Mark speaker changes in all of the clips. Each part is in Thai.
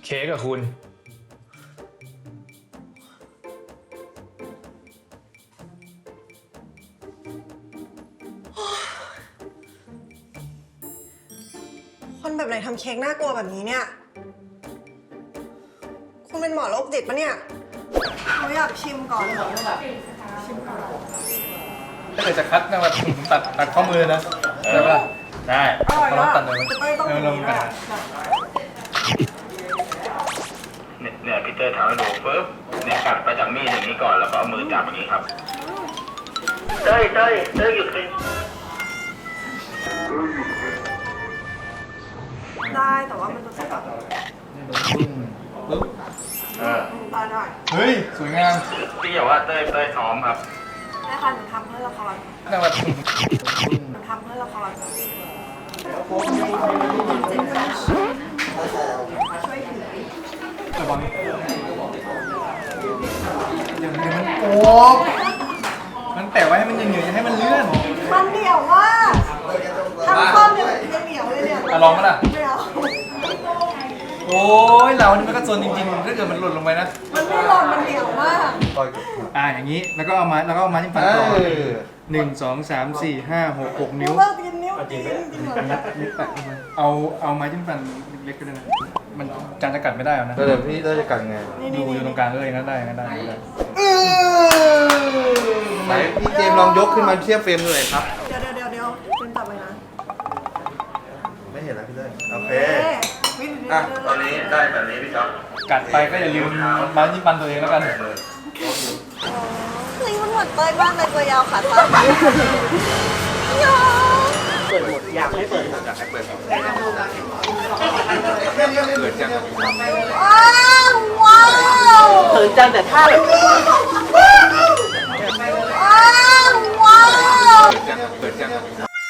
Speaker 1: เค้กกับคุณ
Speaker 2: คนแบบไหนทำเค้กน่ากลัวแบบนี้เนี่ยคุณเป็นหมอโรคจิตปะเนี่ยเขาอยากชิมก่อนเหรอชิมก่อน
Speaker 1: ถ้าเกิดจะคัดนะแบบตัดข้อมือนะได้ปะได้
Speaker 2: อร่อย
Speaker 1: ลอง
Speaker 2: อ่ะ
Speaker 1: ตัดเลย
Speaker 2: ต้องอย่าง
Speaker 1: ลอง
Speaker 2: นี้
Speaker 1: กั
Speaker 2: ด้
Speaker 1: น
Speaker 2: วย
Speaker 3: เนี่ยพี่เตอร์ทำให้ดูปุ๊บเนี่ยกัดไปจากมีดอย่างนี้ก่อนแล้วก็เอามือจับอย่างนี้ครับเต้ยหยุดเลย
Speaker 2: ได้แต่ว่ามันจะแบบ
Speaker 1: ปึ๊บ
Speaker 2: ตาได้
Speaker 1: เฮ้ยสวยงาม
Speaker 3: พี่อย่าว่าเต้ยซ้อมครับ
Speaker 2: ได้ค่ะหนูทำเพื่อละคร
Speaker 1: นั่งแบบ
Speaker 2: หนูทำเพื่อละครช่วยถือ
Speaker 1: ระวังอย่างนี้มันโอบ มันแปะไว้ให้มันเหนียวๆให้มันเลื่อน
Speaker 2: มันเหนียวมากทำข้อเนี่ยยังเหนียวเลยเนี่ย
Speaker 1: ลองมั้ยล่ะ
Speaker 2: ไม่เอา
Speaker 1: โอ้ยเรานี่มันก็โซนจริงๆถ้าเกิดมันหล่นลงไปนะ
Speaker 2: มันไม่หล่นมันเหนียวมาก
Speaker 1: อย่างนี้แล้วก็เอามาจิ้มฟันต่อ1 2 3 4 5 6 6 นิ้ว
Speaker 2: เลิกกินนิ้วจริงเหรอ
Speaker 1: นิ้วแปะเข้าไปเอาไม้จิ้มฟันเล็กๆก็ได้นะมันจานจะกัดไม่ได้หรอนะ
Speaker 4: แล้วเดี๋ยวพี่จะกัดไง
Speaker 1: อยู่ตรงกลางเลยงั้นได้
Speaker 4: ไหนพี่เจมส์ลองยกขึ้นมาเทียบเฟรมดูหน่อยครับ
Speaker 2: เดี๋ยวเป็นต่อไปนะ
Speaker 4: ไม่เห็นแล้วพี่เต้ยโอเค
Speaker 2: วิธี
Speaker 4: อ่ะ
Speaker 3: ตอนนี้ได้แบบนี้พี่จ๊อบ
Speaker 1: กัดไปก็อย่าลืมไม้จิ้มฟันตัวเองแล้วกัน
Speaker 2: เฮ้ยมันเหมือนเต้ยมากเลยตัวยาวขาสั้นยาว
Speaker 4: เปิดจัง
Speaker 2: ว้าว
Speaker 5: เขินจังแต่ท่าแบบ
Speaker 2: ว้าว
Speaker 4: เปิดจัง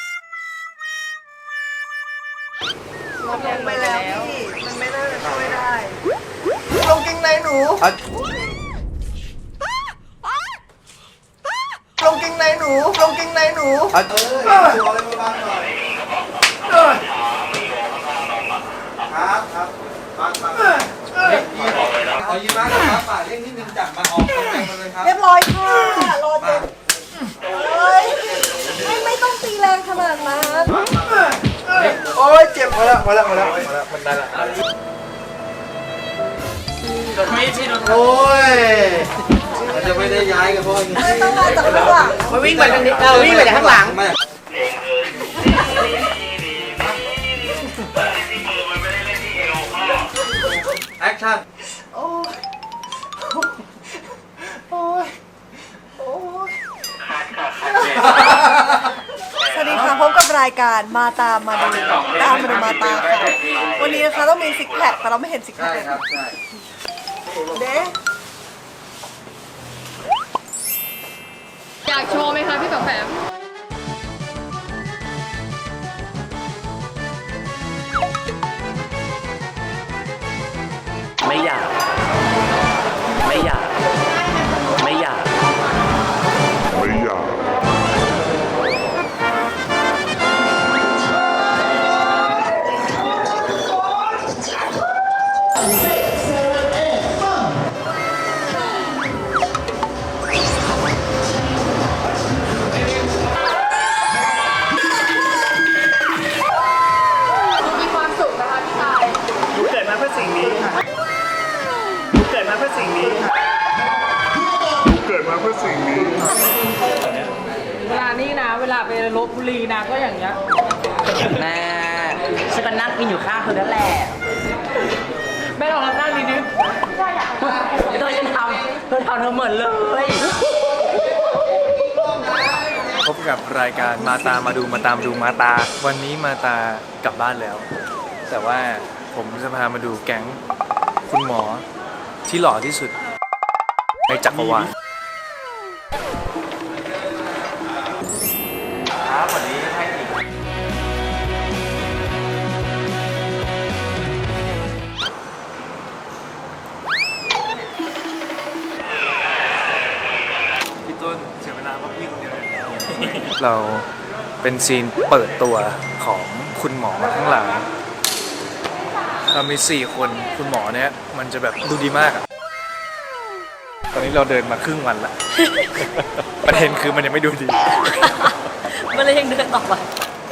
Speaker 2: ลงไปแล้วพี่มันไม่น่าจะช่วยได้ลงกิ้งในหนูลงกิ้งในหนูลงกิ้งในหนู
Speaker 4: ครับปังขอยืมมากครับป่าเร่งนิดนึงจับมาออกตรงกลางมาเลยครับ
Speaker 2: เรียบร้อยค่ะรอจนเฮ้ยไม่ต้องตีแรงขนาดนั้น
Speaker 4: โอ้ยเจ็บพอแล้วมันได้ละโอ้ยเราจะไม่ได้ย้ายกันเพราะอย่างนี้
Speaker 2: ไม่ต้องมาจากข้างหลัง
Speaker 5: มาวิ่งไปทางนี้วิ่งไปจากข้างหลัง
Speaker 4: ไม่
Speaker 3: มันไม่ได้เล่นที่เอวพ่อ
Speaker 4: แอคชั่น
Speaker 2: โอ้ยโอ้ยโอ้ยสวัสดีค่ะพบกับรายการมาตามมาดูตามมาดูมาตาค่ะวันนี้นะคะต้องมีซิกแพคแต่เราไม่เห็นซิกแพ
Speaker 4: ใช่
Speaker 2: ค
Speaker 4: ครับใช่
Speaker 2: เด้
Speaker 6: อยากโชว์ไหมคะพี่แปมแปม
Speaker 5: ไม่อยาก ไม่อยาก ไม่อยาก
Speaker 6: มีความสุขนะคะพี่ชาย
Speaker 3: เกิดมาเพื่อสิ่งนี้ค่ะเกิดมาเพื่อสิ่งนี้ค่ะเกิดมาเพื่อสิ่งนี้ค่ะ
Speaker 7: เวลานี่นะ เวลาไปลบบุรีนะก็อย่างเงี้ย
Speaker 5: แม่ฉันก็นั่งกินอยู่ข้างเธอนั่นแหละ
Speaker 7: แม่ลองนั่งดีดิ
Speaker 5: เธอทำเธอเหมือนเลย
Speaker 1: พบกับรายการมาตามมาดูมาตามดูมาตา วันนี้มาตากลับบ้านแล้ว แต่ว่าผมจะพามาดูแก๊งคุณหมอที่หล่อที่สุดในจักรวาลครับวันนี้ให้อีกพี่ต้นเสียเวลาเพราะพี่คนเดียวเราเป็นซีนเปิดตัวของคุณหมอทั้งหลายเรามี4คนคุณหมอเนี่ยมันจะแบบดูดีมากอะตอนนี้เราเดินมาครึ่งวันละ ประเด็นคือมันยังไม่ดูดี
Speaker 2: มันเลยยังเดินต่อไป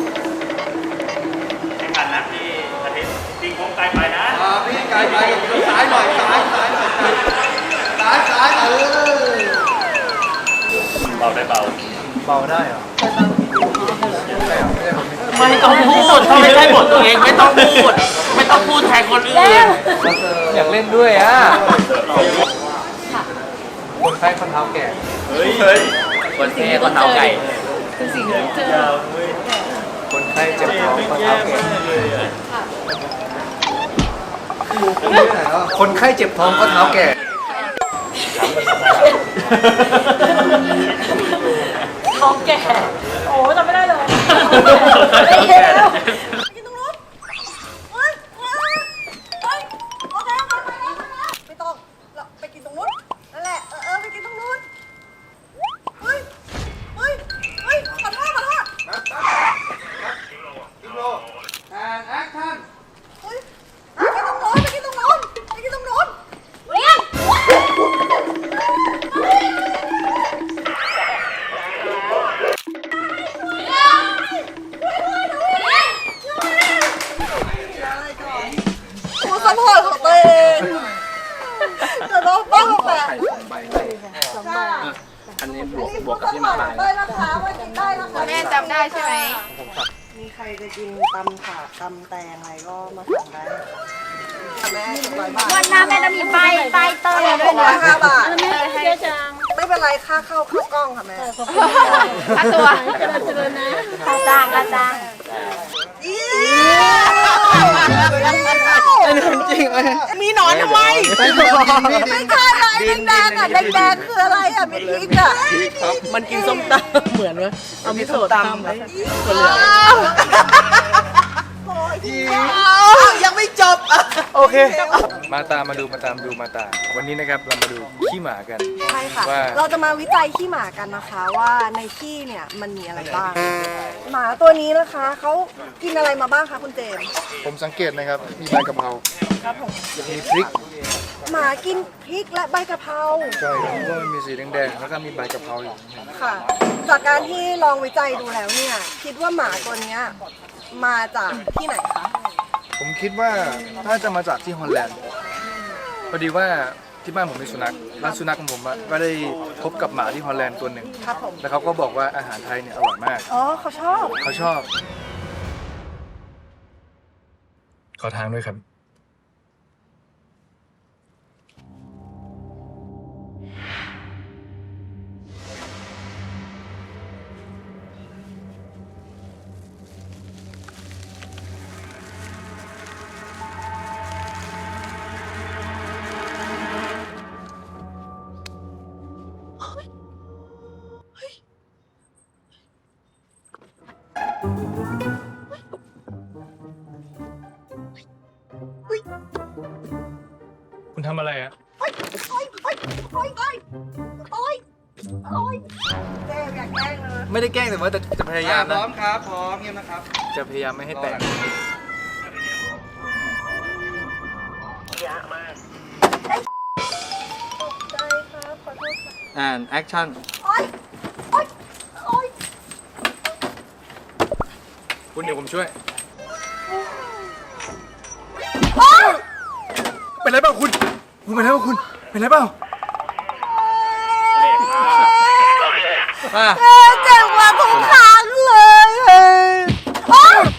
Speaker 5: กันนะพี่อาทิตย์จริงผมไกลไปนะ
Speaker 4: พี่ไกลไปซ้ายหน่อยซ้ายหน่อยซ้าย
Speaker 5: เบาได้เบา
Speaker 1: เบาได้เหรอ
Speaker 5: ไม่ต้องพูดถ้าไม่ใช่บทตัวเองไม่ต้องพูด ไม่ต้องพูดแทนคนอื่น
Speaker 1: อยากเล่นด้วยอ่ะคนไข้คนเท้าแก่
Speaker 5: เฮ้ยคนแค่คนเท้าไก่
Speaker 2: คือสิ่งที่เจอ
Speaker 1: คนไข้เจ็บท้องคนเท้าแก่คนไข้เจ็บท้องก็เท้าแก่
Speaker 2: ท้องแก่
Speaker 7: โอ้จำไม่ได้เลย
Speaker 2: กินตรงนู้นเฮ้ยโอเคไม่ต้องเราไปกินตรงนู้นนั่นแหละไปกินตรงนู้นเฮ้ยขอโทษ
Speaker 4: กิโลแอนแอคชั่น
Speaker 2: เฮ้ยไปกินตรงนู้นเรียนตัวสมองของตัวเองจะต้องป้องแบบ
Speaker 5: อันนี้บวกกับที่มาตาย
Speaker 2: ได้นะคะว่ากินได้นะคะ
Speaker 6: แม่จำได้ใช่ไหม
Speaker 2: มีใครจะกินตำถาดตำแตงอะไรก็มาสั่งได้แม่100 บาท
Speaker 6: วันหน้าแม่จะมีป้ายเตอร์ด้วยนะ
Speaker 2: 605 บาท
Speaker 6: ให้เยอะจัง
Speaker 2: ไม่เป็นไรค่าเข้ากล้องค่ะแม่
Speaker 6: ค่าตัวค่าจ้าง
Speaker 2: จริงเลยมีหนอนทำไมไม่ใช่อะไรแดงๆอ่ะแดงๆคืออะไรอ่ะมีพริกอ่ะ
Speaker 7: มันกินส้มตำเหมือนว่าเอามีโซดาไหม
Speaker 2: ยังไม่จบ
Speaker 1: โอเค มาตามดูมาตาม วันนี้นะครับเรามาดูขี้หมากัน
Speaker 2: ใช่ค่ะ
Speaker 1: ว่า
Speaker 2: เราจะมาวิจัยขี้หมากันนะคะว่าในขี้เนี่ยมันมีอะไรบ้าง หมาตัวนี้นะคะเขากินอะไรมาบ้างคะคุณเจมส์
Speaker 1: ผมสังเกตนะครับ มีใบกะเพรา
Speaker 2: ครับผม
Speaker 1: มีพริก
Speaker 2: หมากินพริกและใบกะเพรา
Speaker 1: ใช่ผมว่ามันมีสีแดงๆแล้วก็มีใบกะเพราอยู่
Speaker 2: ค่ะ จากการที่ลองวิจัยดูแล้วเนี่ยคิดว่าหมาตัวเนี้ยมาจากที่ไหนคะ
Speaker 1: ผมคิดว่าน่าจะมาจากที่ฮอลแลนด์พอดีว่าที่บ้านผมมีสุนัขร้านสุนัขของผมอะก็ได้พบกับหมาที่ฮอลแลนด์ตัวหนึ่ง
Speaker 2: ครับผม
Speaker 1: แล้วเขาก็บอกว่าอาหารไทยเนี่ยอร่อยมาก
Speaker 2: อ๋อเขาชอบ
Speaker 1: เขาชอบ ขอทางด้วยครับ คุณทำอะไรอะ
Speaker 2: โอ๊ยแกล้งอยากแกล้งเลย
Speaker 1: ไม่ได้แกล้งแต่ว่าจะพยายาม
Speaker 4: พร้
Speaker 1: นะ
Speaker 4: อมครับพร้อมเงียบนะครับ
Speaker 1: จะพยายามไม่ให้แตก
Speaker 2: ตกใจครับขอโทษค่ะ
Speaker 4: แอนแอคชั่น
Speaker 2: โอ๊ย
Speaker 1: คุณเดี๋ยวผมช่วย เป็นไรเปล่าคุณเป็นไรเปล่าคุณ เป็นไรเปล่า
Speaker 2: เจ็บกว่าทุกครั้งเลยโอ๊ย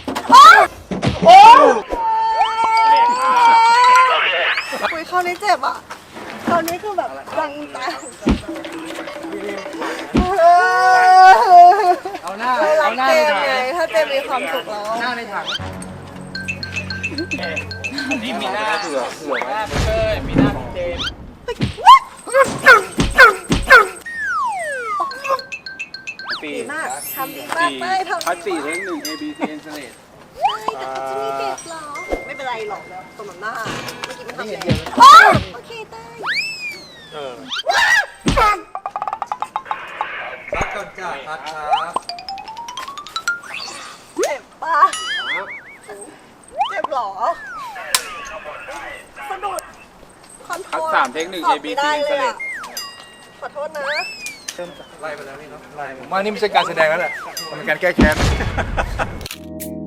Speaker 2: คุยคราวนี้เจ็บอ่ะคราวนี้คือแบบรังตา
Speaker 4: เอาหน้า
Speaker 2: เรารั
Speaker 4: เอา
Speaker 2: ก
Speaker 4: หน้า
Speaker 2: เจ
Speaker 4: ใน
Speaker 2: ม
Speaker 4: ถัง
Speaker 2: ไงถ้าเจมมีความสุขแล้ว
Speaker 4: หน้าในถัง
Speaker 5: นี่มีหน้าเผื่อไว้เอ้ยมีหน้าของเจมส์
Speaker 2: ดีมากทำดีมากเต้ยทำ
Speaker 4: พัด
Speaker 2: ดี
Speaker 4: 4
Speaker 2: มาก
Speaker 4: เทค1 ABC Installate
Speaker 2: แต่เขาจะมีเด็กเหรอ ไม่เป็นไรหรอกสมน้ำหน้าเมื่อกี้มันทำแรงโอเคเต้ย
Speaker 4: พัดก่อนจ้าพัดครับ
Speaker 2: เจ็บปะเจ็บเหรอ 3 เทค 1 A B C เลยอ่ะขอโทษนะ
Speaker 1: ไล่ไปแล้วนี่เนาะไล่ผมว่านี่ไม่ใช่การแสดงแล้วแหละมันเป็นการแก้แค้น